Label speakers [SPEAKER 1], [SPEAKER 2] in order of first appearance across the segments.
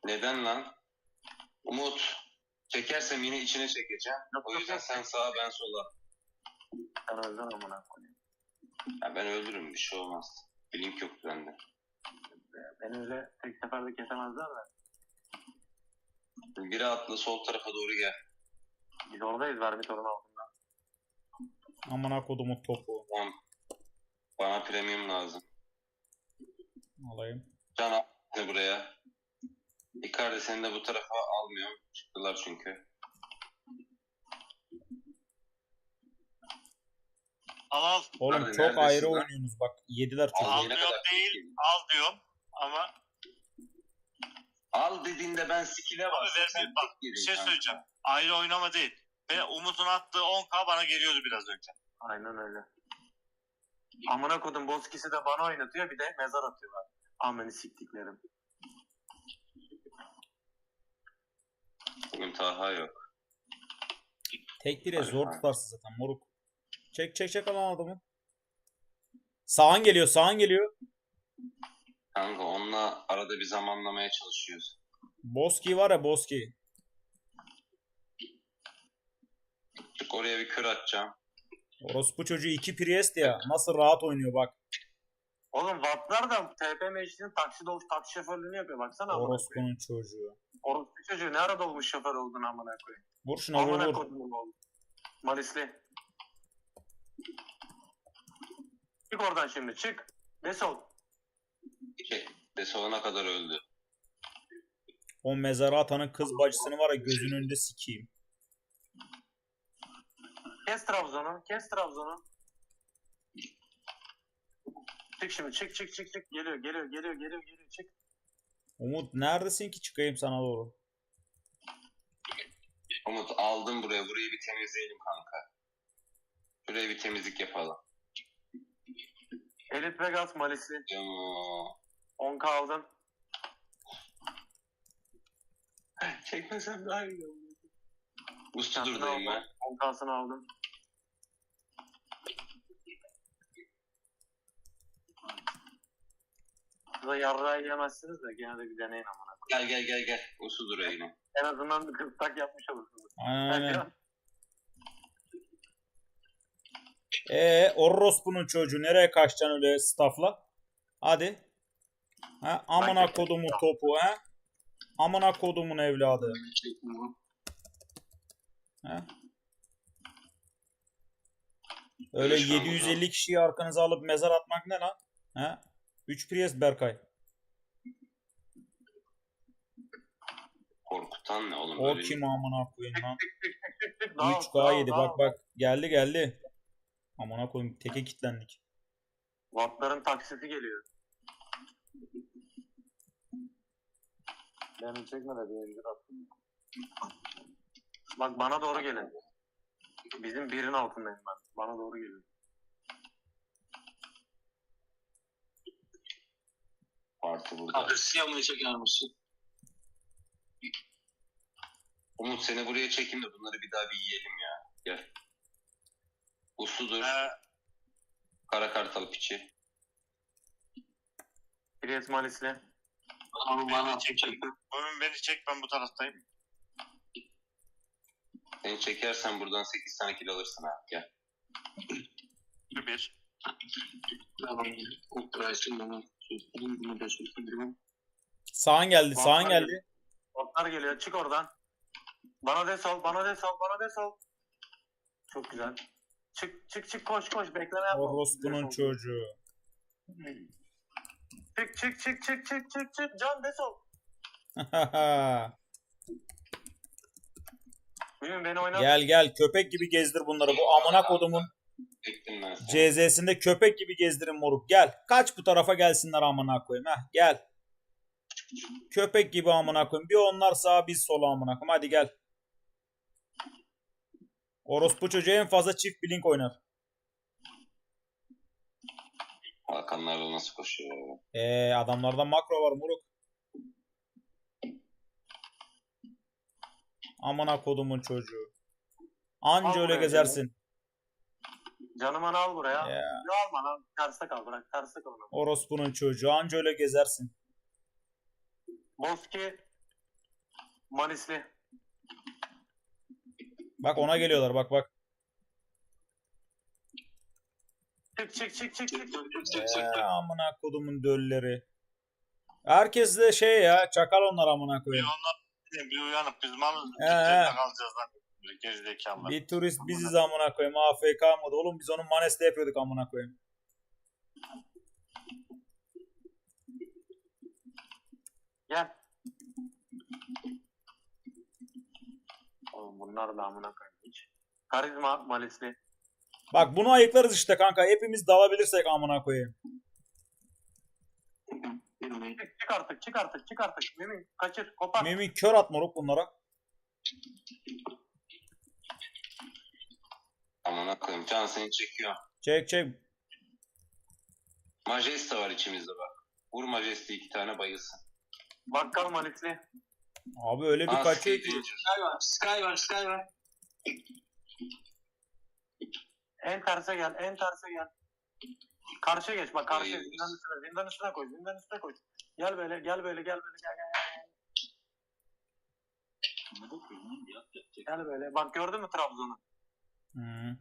[SPEAKER 1] Neden lan? Umut. Çekersem yine içine çekeceğim. O yüzden sen sağa ben sola.
[SPEAKER 2] Sen öldün amına koyayım.
[SPEAKER 1] Ya ben öldürürüm, bir şey olmaz. Blink yok bende.
[SPEAKER 2] Beni öyle tek seferde kesemezler de.
[SPEAKER 1] Biri atla sol tarafa doğru gel.
[SPEAKER 2] Biz oradayız Vermitor'un altında.
[SPEAKER 3] Amına kodumun topu.
[SPEAKER 1] Tamam. Bana premium lazım.
[SPEAKER 3] Alayım.
[SPEAKER 1] Can al buraya. Icardi seni de bu tarafa almıyorum. Çıktılar çünkü.
[SPEAKER 4] Al.
[SPEAKER 3] Oğlum
[SPEAKER 1] Nerede,
[SPEAKER 3] çok
[SPEAKER 1] neredesin
[SPEAKER 3] ayrı
[SPEAKER 1] lan?
[SPEAKER 3] oynuyorsunuz bak. Yediler çok.
[SPEAKER 4] Al
[SPEAKER 1] yine
[SPEAKER 4] diyorum
[SPEAKER 1] kadar
[SPEAKER 4] değil.
[SPEAKER 1] sikeyim.
[SPEAKER 4] Al diyorum. Ama
[SPEAKER 1] Al dediğinde ben skill'e
[SPEAKER 4] abi
[SPEAKER 1] bastım.
[SPEAKER 4] vermeyip bak bir şey söyleyeceğim. Ayrı oynama değil. Ve Umut'un attığı 10k bana geliyordu biraz önce.
[SPEAKER 2] Aynen öyle. Amına kodum Boskis'i de bana oynatıyor bir de mezar atıyorlar. Ameni siktiklerim.
[SPEAKER 1] Bugün Taha yok.
[SPEAKER 3] Tek bire zor tutarsın zaten moruk. Çek alan adamı. Sağan geliyor sağan geliyor.
[SPEAKER 1] Kanka onunla arada bir zamanlamaya çalışıyoruz.
[SPEAKER 3] Boski var ya Boski.
[SPEAKER 1] Çık oraya bir kör atacağım.
[SPEAKER 3] Orospu çocuğu 2 Priest ya. Nasıl rahat oynuyor bak.
[SPEAKER 2] Oğlum Vatlar da TP meclisinin taksi şoförlüğünü yapıyor baksana amına koyayım.
[SPEAKER 3] Orospunun çocuğu.
[SPEAKER 2] Orospu çocuğu ne arada olmuş şoför oldun amına koyayım.
[SPEAKER 3] Vur şuna vur
[SPEAKER 2] Amına
[SPEAKER 3] vur.
[SPEAKER 2] kodum oldu. Malisli. Çık oradan şimdi çık. Ne sol?
[SPEAKER 1] Desolana kadar öldü.
[SPEAKER 3] O mezara atanın kız bacısını var ya gözünün önünde sikeyim.
[SPEAKER 2] Kes Trabzon'u. Kes Trabzon'u. Çık şimdi çık. Geliyor çık.
[SPEAKER 3] Umut neredesin ki çıkayım sana doğru.
[SPEAKER 1] Umut aldım buraya. Burayı bir temizleyelim kanka. Buraya bir temizlik yapalım.
[SPEAKER 2] Elit Vegas Malisli.
[SPEAKER 1] Yo.
[SPEAKER 2] 10k aldım.
[SPEAKER 1] Çekmesem daha iyi olur. Ustadur'dayım ben.
[SPEAKER 2] 10k'sını aldım. Size yarrağı yiyemezsiniz de gene de bir deneyin amına.
[SPEAKER 1] Gel. Ustadur'a yine.
[SPEAKER 2] En azından bir kıstak yapmış olursunuz.
[SPEAKER 3] Aynen. Orospunun çocuğu nereye kaçacaksın öyle staffla? Hadi. Ha, amına kodumun topu ha. Amına kodumun evladı. Ha? Öyle 750 kişiyi arkanıza alıp mezar atmak ne lan? Ha? 3 Priest Berkay.
[SPEAKER 1] Korkutan ne oğlum?
[SPEAKER 3] O
[SPEAKER 1] Böyle
[SPEAKER 3] kim amına koyayım lan?
[SPEAKER 2] Daha
[SPEAKER 3] 3K yedi bak geldi. Amına koyayım teke kilitlendik.
[SPEAKER 2] Wattların taksiti geliyor. Beni çekme de bir incir attım. Bak bana doğru gelin. Bizim birin altındayım ben. Bana doğru gelin.
[SPEAKER 1] Parti burada.
[SPEAKER 4] Agresiyonunu çeker misin?
[SPEAKER 1] Umut seni buraya çekeyim de bunları bir daha bir yiyelim ya. Gel. Usludur. Kara kartal piçi.
[SPEAKER 2] Priest Malisli.
[SPEAKER 4] Onu bana çek. Beni çek ben bu taraftayım.
[SPEAKER 1] Seni çekersen buradan 8 tane kill alırsın ha. Gel.
[SPEAKER 4] Bir.
[SPEAKER 3] Sağan geldi.
[SPEAKER 2] Wattlar geliyor. Çık oradan. Bana de sol. Çok güzel. Çık koş bekleme yapma.
[SPEAKER 3] Orospunun çocuğu.
[SPEAKER 2] Çık Can de sol. Bugün beni oynat.
[SPEAKER 3] Gel köpek gibi gezdir bunları. Bu amına kodumun
[SPEAKER 1] Çektim ben seni.
[SPEAKER 3] CZ'sinde köpek gibi gezdirin moruk. Gel. Kaç bu tarafa gelsinler amına koyayım. Heh gel. Köpek gibi amına koyayım. Bir onlar sağa biz sola amına koyayım. Hadi gel. Orospu çocuğu en fazla çift blink oynar.
[SPEAKER 1] Hakanlarla nasıl koşuyor ya?
[SPEAKER 3] Adamlarda makro var moruk. Amına kodumun çocuğu. Anca
[SPEAKER 2] Al
[SPEAKER 3] öyle
[SPEAKER 2] buraya
[SPEAKER 3] gezersin.
[SPEAKER 2] Canımı al buraya.
[SPEAKER 3] Ya.
[SPEAKER 2] Yo alma lan. Terste kal bırak. Terste kal.
[SPEAKER 3] Orospunun çocuğu. Anca öyle gezersin.
[SPEAKER 2] Boski Manisli.
[SPEAKER 3] Bak ona geliyorlar bak bak.
[SPEAKER 2] Çık.
[SPEAKER 3] Amına kodumun dölleri. Herkes de şey ya çakal onlar amına
[SPEAKER 4] Bir
[SPEAKER 3] koyayım.
[SPEAKER 4] onlar bir uyanıp biz mal
[SPEAKER 3] He.
[SPEAKER 4] dükkanında kalacağız lan. Gerizekalılar.
[SPEAKER 3] Bir turist biziz amına koyayım. AFK mıydı? Oğlum biz onun Manes'te yapıyorduk amına koyayım.
[SPEAKER 2] Gel. Oğlum bunlar da amına koyayım hiç. Karizma Manisli.
[SPEAKER 3] Bak bunu ayıklarız işte kanka. Hepimiz dalabilirsek amına koyayım.
[SPEAKER 2] Çık artık. Mümin kaçır kopar.
[SPEAKER 3] Mümin kör at moruk bunlara.
[SPEAKER 1] Amına koyayım. Can seni çekiyor.
[SPEAKER 3] Çek.
[SPEAKER 1] Majesta var içimizde bak. Vur Majesta 2 tane bayılsın.
[SPEAKER 2] Bakkal Manisli.
[SPEAKER 3] Abi öyle bir kaçıyor ki.
[SPEAKER 5] Sky var.
[SPEAKER 2] En terse gel. Karşıya geç bak karşıya.
[SPEAKER 1] Hayır.
[SPEAKER 2] Zindan üstüne koy. Gel böyle gel. Gel böyle. Bak gördün mü Trabzon'u?
[SPEAKER 3] Hı.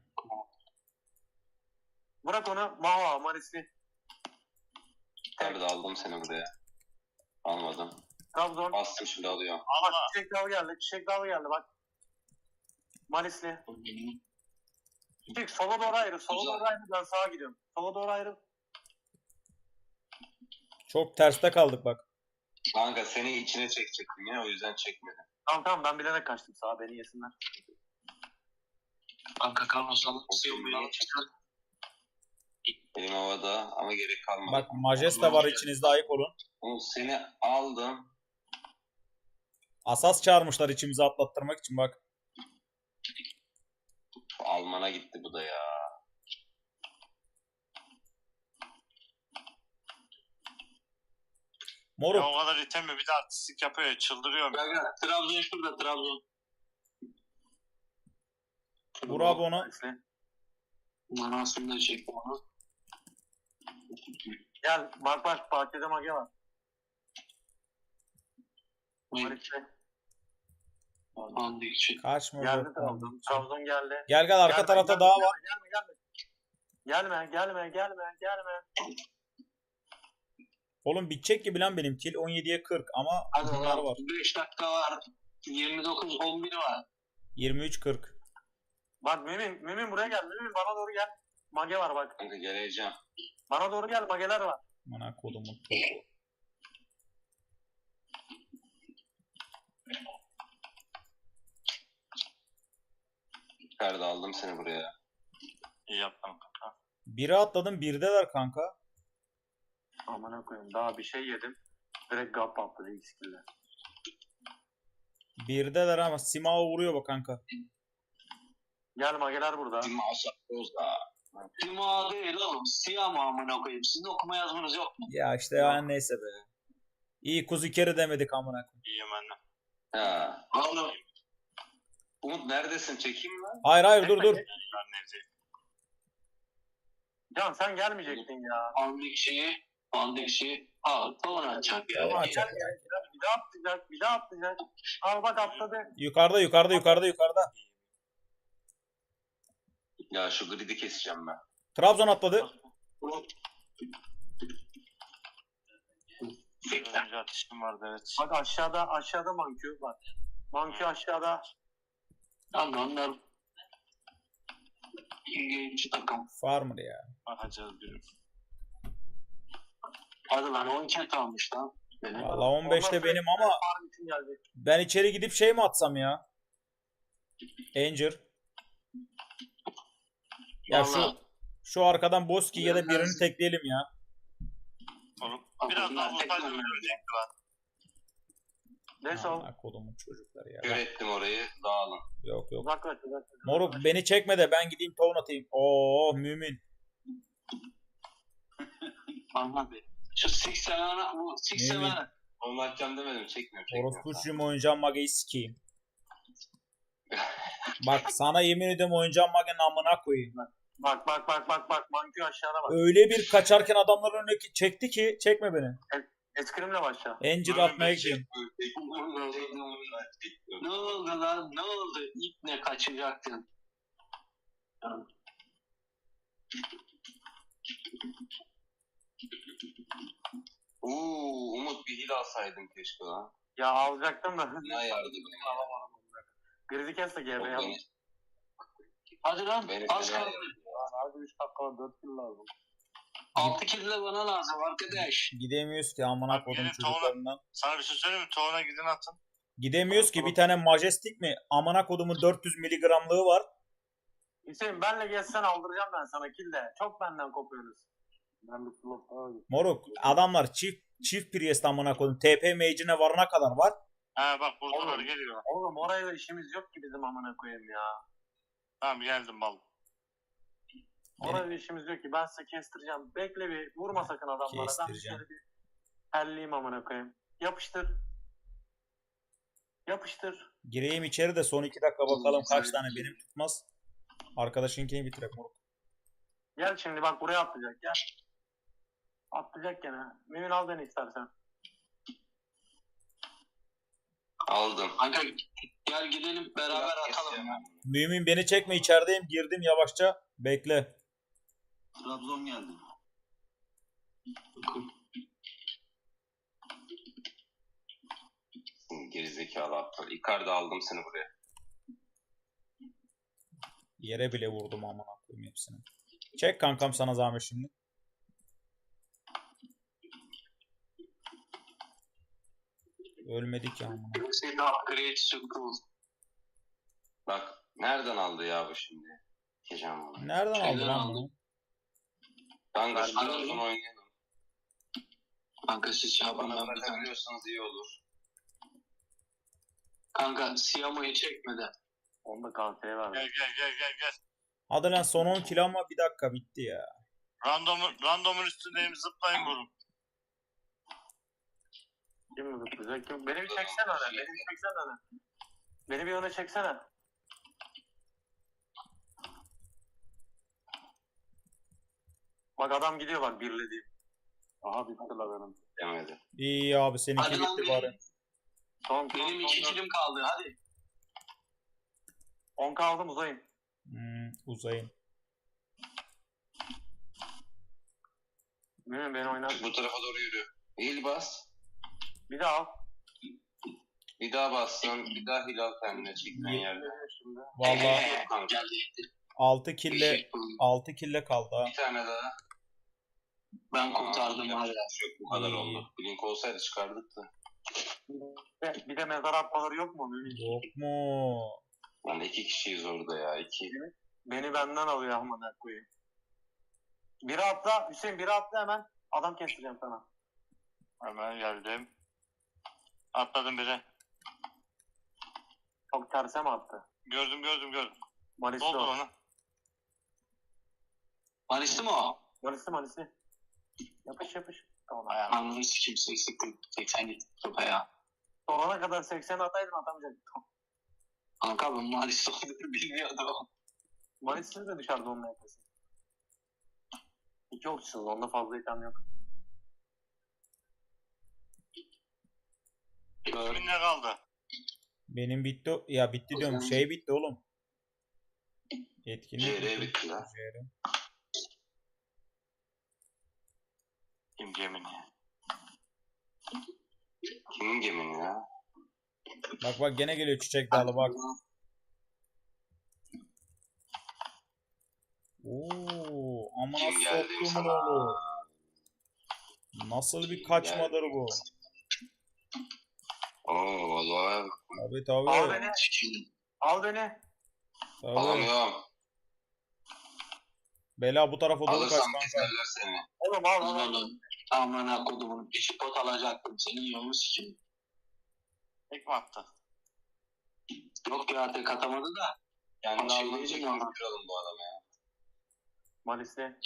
[SPEAKER 2] Bırak onu. Maho Manisli.
[SPEAKER 1] Nerede aldım seni buraya? Almadım.
[SPEAKER 2] Trabzon.
[SPEAKER 1] Bastım şimdi alıyor.
[SPEAKER 2] Bak
[SPEAKER 4] Allah.
[SPEAKER 2] çiçek dalı geldi bak. Manisli. Çık sola doğru ayrı. Ben sağa gidiyorum. Sola doğru ayrı.
[SPEAKER 3] Çok terste kaldık bak.
[SPEAKER 1] Kanka seni içine çekecektim ya o yüzden çekmedim.
[SPEAKER 2] Tamam ben bilerek kaçtım sağa beni yesinler.
[SPEAKER 5] Kanka Carlos alıp
[SPEAKER 1] Elim havada ama gerek kalmadı.
[SPEAKER 3] Bak Majesta var içinizde ayık olun.
[SPEAKER 1] Oğlum seni aldım.
[SPEAKER 3] Asas çağırmışlar içimizi atlattırmak için bak.
[SPEAKER 1] Almana gitti bu da ya.
[SPEAKER 3] Moruk.
[SPEAKER 4] Ya o kadar item mi bir de artistik yapıyor ya çıldırıyorum.
[SPEAKER 5] Kanka Trabzon şurada Trabzon.
[SPEAKER 3] Vur abi onu.
[SPEAKER 2] Manisli.
[SPEAKER 5] Manasını da çektim onu.
[SPEAKER 2] Gel bak bahçede mage var. Manisli.
[SPEAKER 5] Andık çek.
[SPEAKER 3] Kaçma.
[SPEAKER 2] Geldi
[SPEAKER 3] moruk.
[SPEAKER 2] Trabzon. Trabzon geldi.
[SPEAKER 3] Gel arka
[SPEAKER 2] Gelme,
[SPEAKER 3] tarafta
[SPEAKER 2] gelme,
[SPEAKER 3] daha var.
[SPEAKER 2] Gelme.
[SPEAKER 3] Oğlum bitecek gibi lan benim kill 17'ye 40 ama
[SPEAKER 5] Hadi
[SPEAKER 3] bunlar
[SPEAKER 5] lan
[SPEAKER 3] var.
[SPEAKER 5] 5 dakika var. 29-11 var.
[SPEAKER 3] 23-40.
[SPEAKER 2] Bak Mümin buraya gel. Mümin bana doğru gel. Mage var bak.
[SPEAKER 1] Kanka geleceğim.
[SPEAKER 2] Bana doğru gel mageler var.
[SPEAKER 3] Bana kodumun topu.
[SPEAKER 1] Ferdi aldım seni buraya.
[SPEAKER 4] İyi yaptın kanka.
[SPEAKER 3] Biri atladım birdeler kanka.
[SPEAKER 2] Amına koyayım daha bir şey yedim. Direkt gap patladı ilk skill'de.
[SPEAKER 3] Birdeler ama Simao vuruyor bak kanka.
[SPEAKER 2] Gel mageler burada.
[SPEAKER 1] Dimasa Rozda.
[SPEAKER 5] Cuma değil oğlum. Siyah mı amına koyayım? Sizin okuma yazmanız yok mu?
[SPEAKER 3] Ya işte yani neyse be. İyi kuzu kere demedik amına koyayım.
[SPEAKER 4] İyiyim ben de.
[SPEAKER 1] Ha.
[SPEAKER 5] Oğlum.
[SPEAKER 1] Umut neredesin? Çekeyim mi?
[SPEAKER 3] Hayır dur.
[SPEAKER 4] Ben nevzeyim.
[SPEAKER 2] Can sen gelmeyecektin ya.
[SPEAKER 5] Andık şeyi. Aa tavan atacak ya.
[SPEAKER 3] Tamam, atacak.
[SPEAKER 2] Bir daha atlayacak. Al bak atladı.
[SPEAKER 3] Yukarıda.
[SPEAKER 1] Ya şu gridi keseceğim ben.
[SPEAKER 3] Trabzon atladı.
[SPEAKER 4] Önce atışım vardı evet.
[SPEAKER 2] Bak aşağıda Mankü var. Mankü aşağıda.
[SPEAKER 5] Tamam onlar. İlginç takım.
[SPEAKER 3] Farmer ya.
[SPEAKER 4] Bakacağız bir.
[SPEAKER 5] Hadi lan 10 ket almış lan. Benim.
[SPEAKER 3] Valla 15'te benim ama
[SPEAKER 2] Farm için gelecek.
[SPEAKER 3] ben içeri gidip şey mi atsam ya? Anger. Ya
[SPEAKER 5] Vallahi.
[SPEAKER 3] şu arkadan Boski ya da birini tekleyelim ya.
[SPEAKER 4] Oğlum biraz daha vursaydın ölecekti lan.
[SPEAKER 2] Neyse o.
[SPEAKER 3] Amına kodumun çocukları ya.
[SPEAKER 1] Kör ettim orayı. Dağılın.
[SPEAKER 3] Yok.
[SPEAKER 2] Uzaklaş.
[SPEAKER 3] Moruk beni çekme de ben gideyim town atayım. Oo mümin.
[SPEAKER 5] Anladım. Şu Six Seven'a bu Six
[SPEAKER 3] Yemin.
[SPEAKER 5] Seven'a.
[SPEAKER 1] Onu atacağım demedim. Çekmiyorum.
[SPEAKER 3] Orospu çocuğum oynayacağım mageyi sikeyim. Bak sana yemin ediyorum oynayacağım magenin amına koyayım.
[SPEAKER 2] Bak. Mankü aşağıda bak.
[SPEAKER 3] Öyle bir kaçarken adamların önüne çekti ki çekme beni.
[SPEAKER 2] Eskrimle başla.
[SPEAKER 3] Encir atmaya gidiyorum.
[SPEAKER 5] Ne oldu lan? Ne oldu? İlk ne kaçacaktın?
[SPEAKER 1] Umut bir hile alsaydın keşke lan.
[SPEAKER 2] Ya alacaktım da.
[SPEAKER 1] Ne yardım ya.
[SPEAKER 2] Alamadım. Grizi kes de GB
[SPEAKER 1] Yok,
[SPEAKER 2] yap.
[SPEAKER 1] beni-
[SPEAKER 5] Hadi lan.
[SPEAKER 1] beni
[SPEAKER 5] Az
[SPEAKER 1] fena
[SPEAKER 5] kaldı.
[SPEAKER 2] Abi 3 dakika 4 kill lazım.
[SPEAKER 5] 6 kill de bana lazım arkadaş.
[SPEAKER 3] Gidemiyoruz ki amına
[SPEAKER 4] Abi
[SPEAKER 3] kodum
[SPEAKER 4] gelin
[SPEAKER 3] çocuklarından.
[SPEAKER 4] Sana bir şey söyleyeyim mi? Toğuna gidin atın.
[SPEAKER 3] Gidemiyoruz ki bir tane Majestic mi? Amına kodumun 400 miligramlığı var.
[SPEAKER 2] Hüseyin benle gezsen aldıracağım ben sana kill de. Çok benden kopuyorsunuz. Ben bir slot daha alayım.
[SPEAKER 3] Moruk adamlar çift Priest amına kodum. TP mage'ine varana kadar var.
[SPEAKER 4] Ha bak buradalar
[SPEAKER 2] Oğlum.
[SPEAKER 4] geliyor.
[SPEAKER 2] Oğlum orayla işimiz yok ki bizim amına koyayım ya.
[SPEAKER 4] Tamam geldim bal.
[SPEAKER 2] Orayla işimiz yok ki. Ben size kestireceğim. Bekle bir vurma sakın adamlara. Ben bir
[SPEAKER 3] Kestireceğim.
[SPEAKER 2] şöyle bir helliyim amına koyayım. Yapıştır. Yapıştır.
[SPEAKER 3] Gireyim içeri de son 2 dakika bakalım kaç tane benim tutmaz. Arkadaşınkini bitirek moruk.
[SPEAKER 2] Gel şimdi bak buraya atlayacak gel. Atlayacak gene. Mümin al beni istersen.
[SPEAKER 1] Aldım.
[SPEAKER 5] Kanka gel gidelim beraber atalım.
[SPEAKER 3] Mümin beni çekme içerideyim girdim yavaşça. Bekle.
[SPEAKER 5] Trabzon geldi.
[SPEAKER 1] Gerizekalı aptal. Icardi aldım seni buraya.
[SPEAKER 3] Yere bile vurdum amına koyayım hepsini. Çek kankam sana zahmet şimdi. Ölmedik ya amına.
[SPEAKER 5] Hüseyin upgrade school.
[SPEAKER 1] Bak nereden aldı ya bu şimdi? Geçeceğim bunu.
[SPEAKER 3] Nereden aldın
[SPEAKER 5] Şeyden
[SPEAKER 3] lan
[SPEAKER 5] aldım.
[SPEAKER 3] bunu?
[SPEAKER 1] Kanka şu
[SPEAKER 5] Anladım.
[SPEAKER 1] uzun oynayalım.
[SPEAKER 5] Kanka siz şey yapın
[SPEAKER 1] Bana
[SPEAKER 5] ben bir tane.
[SPEAKER 1] bırakabiliyorsanız iyi olur.
[SPEAKER 5] Kanka Siyamo'yu çekmeden.
[SPEAKER 2] Onda KT'ye ver.
[SPEAKER 4] Gel.
[SPEAKER 3] Hadi lan son 10 kilo ama bir dakika bitti ya.
[SPEAKER 4] Randomun üstündeyim zıplayın vurun.
[SPEAKER 2] Kim zıplayacak kim? Beni bir çeksene öne. Beni bir çeksene öne. Beni bir öne çeksene. Bak adam gidiyor bak birlediğim. Aha bitti la benim.
[SPEAKER 1] Demedi.
[SPEAKER 3] İyi abi seninki
[SPEAKER 5] Hadi lan
[SPEAKER 3] bitti
[SPEAKER 5] benim,
[SPEAKER 3] bari.
[SPEAKER 5] benim 2 killim kaldı hadi.
[SPEAKER 2] 10 kaldım uzayın.
[SPEAKER 3] Uzayın.
[SPEAKER 2] Mümin beni oynar.
[SPEAKER 1] Bu tarafa doğru yürü. Hil bas.
[SPEAKER 2] Bir daha al.
[SPEAKER 1] Bir daha bassın. Bir daha hil al kendine çektiğin yerde.
[SPEAKER 2] Şimdi.
[SPEAKER 3] Vallahi
[SPEAKER 1] Kanka.
[SPEAKER 5] Geldi.
[SPEAKER 3] 6 kille kaldı ha.
[SPEAKER 1] Bir tane daha.
[SPEAKER 5] Ben kurtardım
[SPEAKER 1] Aa,
[SPEAKER 5] hala.
[SPEAKER 1] Yok bu kadar
[SPEAKER 3] İyi.
[SPEAKER 1] oldu. Blink olsaydı çıkardık da.
[SPEAKER 2] Bir de mezar atmaları yok mu Mümin?
[SPEAKER 3] Yok mu?
[SPEAKER 1] Lan 2 kişiyiz orada ya. 2.
[SPEAKER 2] Beni benden alıyor amına koyayım. Biri atla. Hüseyin biri atla hemen. Adam kestireceğim sana.
[SPEAKER 4] Hemen geldim. Atladım biri.
[SPEAKER 2] Çok terse mi attı?
[SPEAKER 4] Gördüm.
[SPEAKER 2] Malisi
[SPEAKER 4] Doldur
[SPEAKER 2] o.
[SPEAKER 4] onu.
[SPEAKER 5] Manisti mi o?
[SPEAKER 2] Malisi. Yapış. Tamam.
[SPEAKER 4] Ayağım.
[SPEAKER 5] Anladın sikim 80 gitti topa ya.
[SPEAKER 2] Sonuna kadar 80 ataydım atamayacaktım.
[SPEAKER 5] Kanka ben Manisti olduğunu bilmiyordum.
[SPEAKER 2] Malisi de dışarıda onun yapması. 2 okçusunuz. Onda fazla item yok.
[SPEAKER 4] Kimin ne kaldı?
[SPEAKER 3] Benim bitti. Ya bitti diyorum. Şey bitti oğlum. Etkinlik
[SPEAKER 1] JR bitti lan.
[SPEAKER 3] JR.
[SPEAKER 4] Kim gemini?
[SPEAKER 1] Kimin gemini ya?
[SPEAKER 3] Bak gene geliyor çiçek dalı bak. Oo, amına
[SPEAKER 1] Kim geldi
[SPEAKER 3] soktumun
[SPEAKER 1] sana?
[SPEAKER 3] oğlu. Nasıl bir kaçmadır bu?
[SPEAKER 1] Oo vallahi
[SPEAKER 3] Tabii
[SPEAKER 2] Al
[SPEAKER 3] tabii.
[SPEAKER 2] beni.
[SPEAKER 5] Sikim.
[SPEAKER 2] Al beni.
[SPEAKER 3] Tabii.
[SPEAKER 1] alamıyorum.
[SPEAKER 3] Bela bu tarafa doğru kaç
[SPEAKER 1] Alırsam
[SPEAKER 3] kanka.
[SPEAKER 1] keserler seni.
[SPEAKER 2] Oğlum al.
[SPEAKER 5] Oğlum amına kodumun bir pot alacaktım. Senin yolunu sikim.
[SPEAKER 4] Tek mi attı?
[SPEAKER 5] Yok ya tek atamadı da.
[SPEAKER 1] Yani
[SPEAKER 5] Şey
[SPEAKER 1] almanı
[SPEAKER 5] diyeceğim
[SPEAKER 1] çekip
[SPEAKER 5] ama.
[SPEAKER 1] kıralım bu adamı ya.
[SPEAKER 2] Malisi.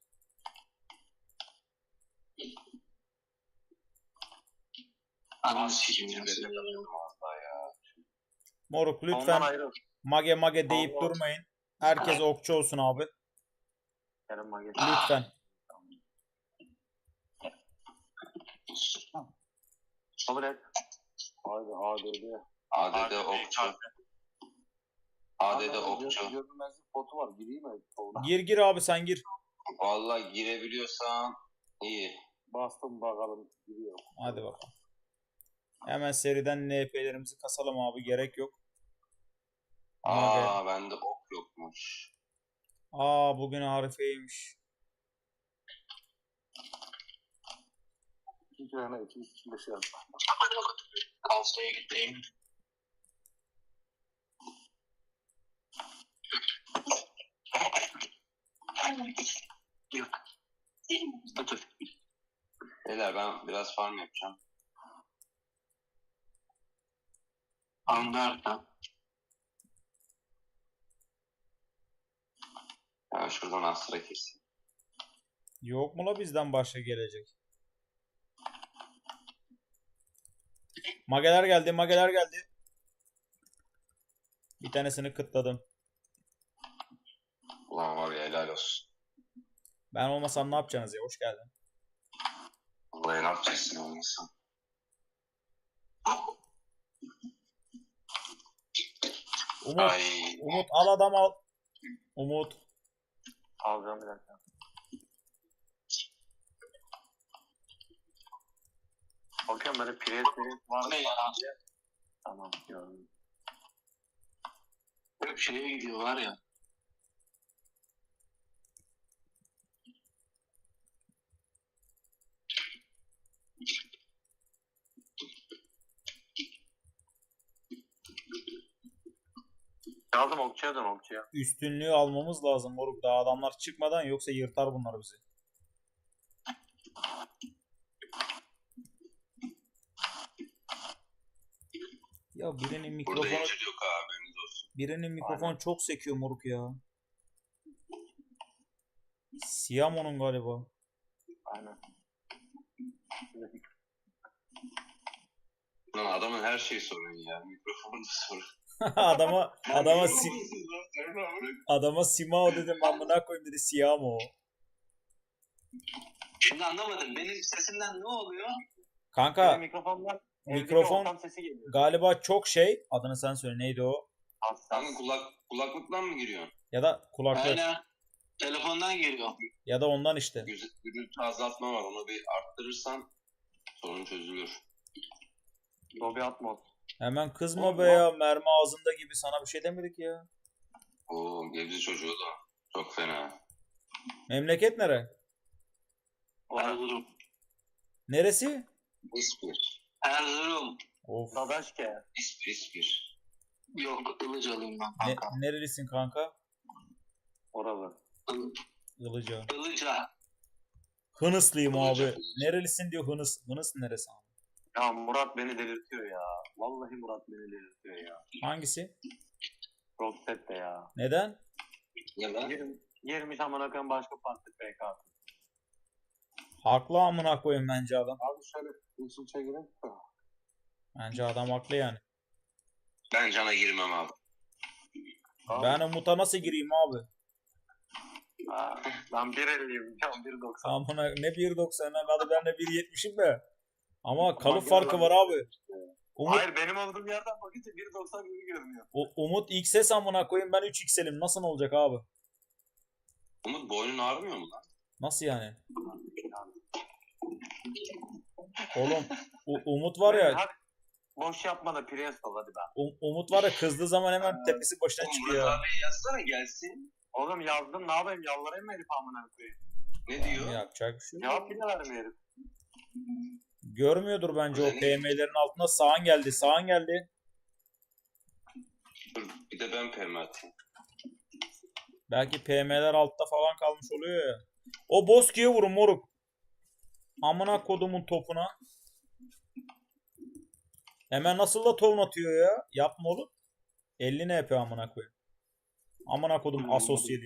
[SPEAKER 5] Ananı sikim ya.
[SPEAKER 1] Cibede kalıyorum valla ya.
[SPEAKER 3] Moruk
[SPEAKER 2] Ondan
[SPEAKER 3] lütfen
[SPEAKER 2] ayrıl.
[SPEAKER 3] mage deyip
[SPEAKER 2] Allah.
[SPEAKER 3] durmayın. Herkes okçu olsun abi.
[SPEAKER 2] Kerem Magi.
[SPEAKER 3] Lütfen.
[SPEAKER 2] Kabul et. Haydi ADD.
[SPEAKER 1] ADD
[SPEAKER 4] Abi,
[SPEAKER 1] okçu. ADD okçu.
[SPEAKER 2] Görünmezlik botu var. Gireyim mi? Solda.
[SPEAKER 3] Gir abi sen gir.
[SPEAKER 1] Vallahi girebiliyorsan iyi.
[SPEAKER 2] Bastım bakalım. Giriyor.
[SPEAKER 3] Hadi bakalım. Hemen seriden NP'lerimizi kasalım abi. Gerek yok.
[SPEAKER 1] Aa bende ok yokmuş.
[SPEAKER 3] Bugün Arife'ymiş.
[SPEAKER 2] 2 tane 205 yaz.
[SPEAKER 5] Kalsaya gideyim. Yok. Dur.
[SPEAKER 1] Beyler ben biraz farm yapacağım.
[SPEAKER 5] Anlardan.
[SPEAKER 1] Ben şuradan Astra keseyim.
[SPEAKER 3] Yok mu la bizden başka gelecek? Mageler geldi, mageler geldi. Bir tanesini kıtladım.
[SPEAKER 1] Ulan var ya helal olsun.
[SPEAKER 3] Ben olmasam ne yapacaksınız ya? Hoş geldin.
[SPEAKER 1] Vallahi ne yapacaksın olmasın. Ay.
[SPEAKER 3] Umut al adam al. Umut.
[SPEAKER 2] Alacağım bir dakika. Bakıyorum böyle pres var mı?
[SPEAKER 5] Ne ya?
[SPEAKER 2] Tamam gördüm.
[SPEAKER 5] Hep şeye gidiyor var ya.
[SPEAKER 2] Yazdım okçuya dön okçuya.
[SPEAKER 3] Üstünlüğü almamız lazım moruk. Daha adamlar çıkmadan yoksa yırtar bunlar bizi. Ya birinin
[SPEAKER 1] Burada
[SPEAKER 3] mikrofonu
[SPEAKER 1] incir yok abi haberiniz olsun.
[SPEAKER 3] birinin mikrofon çok sekiyor moruk ya. Siyamo'nun galiba.
[SPEAKER 2] Aynen.
[SPEAKER 1] Lan adamın her şeyi sorun ya. Mikrofonu da sorun.
[SPEAKER 3] Adama Simao dedim amına koyayım dedi Siyamo.
[SPEAKER 5] Şimdi anlamadım. Benim sesimden ne oluyor?
[SPEAKER 3] Kanka
[SPEAKER 2] Benim mikrofondan
[SPEAKER 3] mikrofon
[SPEAKER 2] ortam sesi geliyor.
[SPEAKER 3] galiba çok şey. Adını sen söyle neydi o?
[SPEAKER 2] Hassas.
[SPEAKER 1] Kanka kulaklıktan mı giriyorsun?
[SPEAKER 3] Ya da kulaklık
[SPEAKER 5] Aynen. Telefondan geliyor.
[SPEAKER 3] ya da ondan işte.
[SPEAKER 1] Gürültü azaltma var. Onu bir arttırırsan sorun çözülür.
[SPEAKER 2] Dolby Atmos.
[SPEAKER 3] Hemen kızma be ya. Mermi ağzında gibi sana bir şey demedik ya.
[SPEAKER 1] Oo Gebze çocuğu da. Çok fena.
[SPEAKER 3] Memleket nere?
[SPEAKER 5] Erzurum.
[SPEAKER 3] Neresi?
[SPEAKER 1] İspir.
[SPEAKER 5] Erzurum.
[SPEAKER 3] Of.
[SPEAKER 2] Dadaşke.
[SPEAKER 1] İspir.
[SPEAKER 5] Yok, Ilıcalıyım ben
[SPEAKER 3] Ne,
[SPEAKER 5] kanka.
[SPEAKER 3] nerelisin kanka?
[SPEAKER 2] Oralı.
[SPEAKER 3] Ilıca.
[SPEAKER 5] Ilıca.
[SPEAKER 3] Hınıslıyım
[SPEAKER 1] Ilıca.
[SPEAKER 3] abi. Nerelisin diyor Hınıs. Hınıs neresi abi?
[SPEAKER 2] Ya Murat beni delirtiyor ya. Vallahi Murat beni delirtiyor ya.
[SPEAKER 3] Hangisi?
[SPEAKER 2] Rockset de ya.
[SPEAKER 3] Neden?
[SPEAKER 1] Ne lan?
[SPEAKER 2] Girmiş amına koyayım başka parti PK.
[SPEAKER 3] Haklı amına koyayım bence adam.
[SPEAKER 2] Abi şöyle usul çekelim.
[SPEAKER 3] Bence adam haklı yani.
[SPEAKER 1] Ben cana girmem abi.
[SPEAKER 3] Ben Umut'a nasıl gireyim abi?
[SPEAKER 2] Ben 1.50'yim. Ya 1.90.
[SPEAKER 3] Amına ne 1.90'ına hadi ben de 1.70'im de. Ama kalıp
[SPEAKER 2] gene
[SPEAKER 3] farkı
[SPEAKER 2] lan.
[SPEAKER 3] var abi. Umut,
[SPEAKER 2] Hayır benim olduğum yerden bakınca 1.90 gibi görünüyor.
[SPEAKER 3] Umut XS amına koyayım ben 3XL'im. Nasıl olacak abi?
[SPEAKER 1] Umut boynun ağrımıyor mu lan?
[SPEAKER 3] Nasıl yani? Oğlum Umut var ya
[SPEAKER 2] Hadi boş yapma da Prius ol hadi be.
[SPEAKER 3] Umut var ya kızdığı zaman hemen tepesi başına
[SPEAKER 1] Oğlum
[SPEAKER 3] çıkıyor.
[SPEAKER 1] Murat abi yazsana gelsin.
[SPEAKER 2] Oğlum yazdım ne yapayım yalvarayım mı herif amına koyayım.
[SPEAKER 1] Ne diyor?
[SPEAKER 3] Yapacak bir şey yok.
[SPEAKER 2] Cevap bile vermiyor herif.
[SPEAKER 3] Görmüyordur bence o
[SPEAKER 1] Öyle mi?
[SPEAKER 3] PM'lerin altında sağan geldi. Sağan geldi.
[SPEAKER 1] Dur bir de ben PM atayım.
[SPEAKER 3] Belki PM'ler altta falan kalmış oluyor ya. O Boski'ye vurun moruk. Amına kodumun topuna. Hemen nasıl da ton atıyor ya. Yapma oğlum. 50 ne yapıyor amına koyayım. Amına kodum asosyali.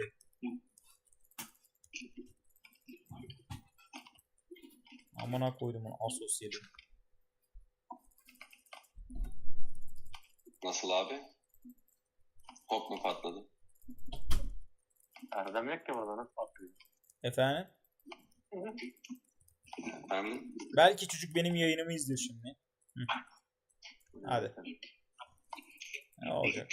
[SPEAKER 3] Amına koydum onu asosyali.
[SPEAKER 1] Nasıl abi? Top mu patladı?
[SPEAKER 2] Erdem yok ki burada nasıl patlıyor.
[SPEAKER 3] Efendim?
[SPEAKER 1] Anladın?
[SPEAKER 3] Belki çocuk benim yayınımı izliyor şimdi. Hı. Hadi. Ne olacak?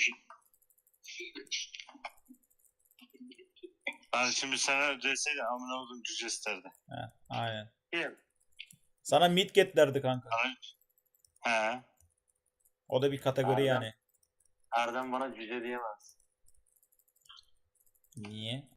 [SPEAKER 4] Ben şimdi sana ödeseydin amına koydum cüce isterdi.
[SPEAKER 3] Aynen.
[SPEAKER 2] Kim?
[SPEAKER 3] Sana midget derdi kanka.
[SPEAKER 4] He.
[SPEAKER 3] O da bir kategori
[SPEAKER 2] Erdem.
[SPEAKER 3] yani.
[SPEAKER 2] Erdem bana cüce diyemez.
[SPEAKER 3] Niye?